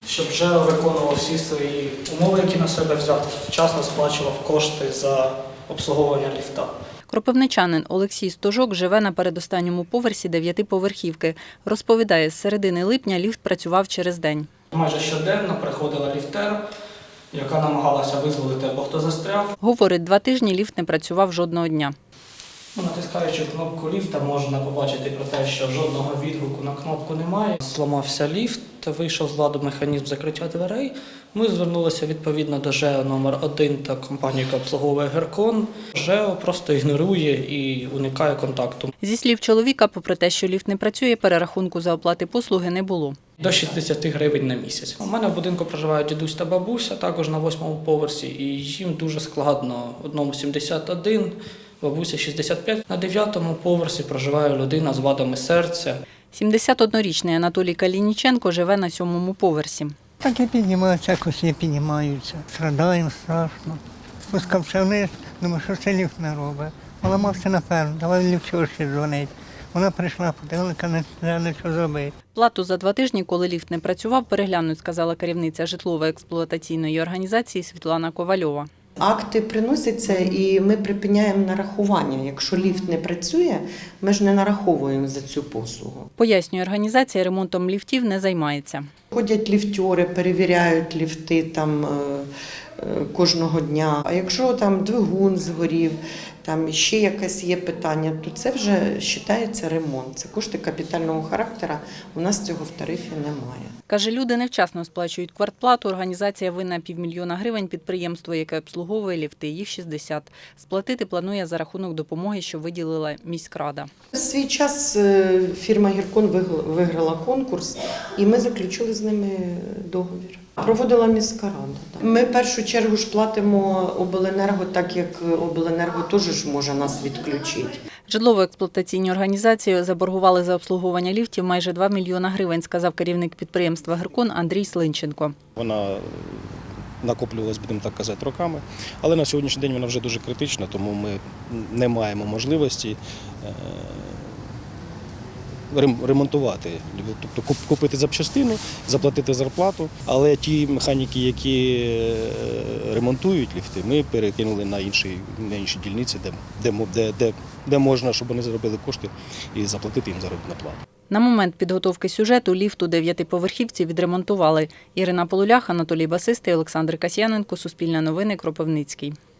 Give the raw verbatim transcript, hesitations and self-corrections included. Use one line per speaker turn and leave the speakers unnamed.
Щоб вже виконував всі свої умови, які на себе взяв, вчасно сплачував кошти за обслуговування ліфта.
Кропивничанин Олексій Стожок живе на передостанньому поверсі дев'ятиповерхівки. Розповідає, з середини липня ліфт працював через день.
Майже щоденно приходила ліфтер, яка намагалася визволити або хто застряв.
Говорить, два тижні ліфт не працював жодного дня.
Натискаючи кнопку ліфта, можна побачити про те, що жодного відгуку на кнопку немає. Зламався ліфт, вийшов з ладу механізм закриття дверей. Ми звернулися відповідно до ЖЕО номер один та компанії, яка обслуговує Геркон. ЖЕО просто ігнорує і уникає контакту.
Зі слів чоловіка, попри те, що ліфт не працює, перерахунку за оплати послуги не було.
До шістдесят гривень на місяць. У мене в будинку проживають дідусь та бабуся, також на восьмому поверсі, і їм дуже складно. Одному сімдесят один, бабуся шістдесят п'ять. На дев'ятому поверсі проживає людина з вадами серця.
сімдесятиоднорічний Анатолій Калініченко живе на сьомому поверсі.
Так і піднімаються, якось не піднімаються. Страдаємо страшно. Спускався вниз, думаю, що це ліфт не робить. Поламався напевно, давай ліфтёрші дзвонить. Вона прийшла, подивилася, не знає, що зробити.
Плату за два тижні, коли ліфт не працював, переглянуть, сказала керівниця житлово-експлуатаційної організації Світлана Ковальова.
Акти приносяться і ми припиняємо нарахування. Якщо ліфт не працює, ми ж не нараховуємо за цю послугу.
Пояснює, організація ремонтом ліфтів не займається.
Ходять ліфтери, перевіряють ліфти там кожного дня. А якщо там двигун згорів, там ще якесь є питання, то це вже вважається ремонт. Це кошти капітального характеру, у нас цього в тарифі немає.
Каже, люди невчасно сплачують квартплату, організація винна півмільйона гривень підприємство, яке обслуговує ліфти, їх шістдесят. Сплатити планує за рахунок допомоги, що виділила міськрада.
В свій час фірма «Геркон» виграла конкурс і ми заключили з ними договір. Проводила міська рада. Ми в першу чергу ж платимо обленерго, так як обленерго теж ж може нас відключити.
Житлово-експлуатаційні організації заборгували за обслуговування ліфтів майже два мільйона гривень, сказав керівник підприємства «Геркон» Андрій Слинченко.
Вона накоплювалась, будемо так казати, роками, але на сьогоднішній день вона вже дуже критична, тому ми не маємо можливості ремонтувати, тобто купити запчастини, заплатити зарплату, але ті механіки, які ремонтують ліфти, ми перекинули на інші, на інші дільниці, де, де, де, де можна, щоб вони заробили кошти і заплатити їм заробітну плату.
На момент підготовки сюжету ліфт у дев'ятиповерхівці відремонтували. Ірина Полулях, Анатолій Басистий, Олександр Касьяненко, Суспільне новини, Кропивницький.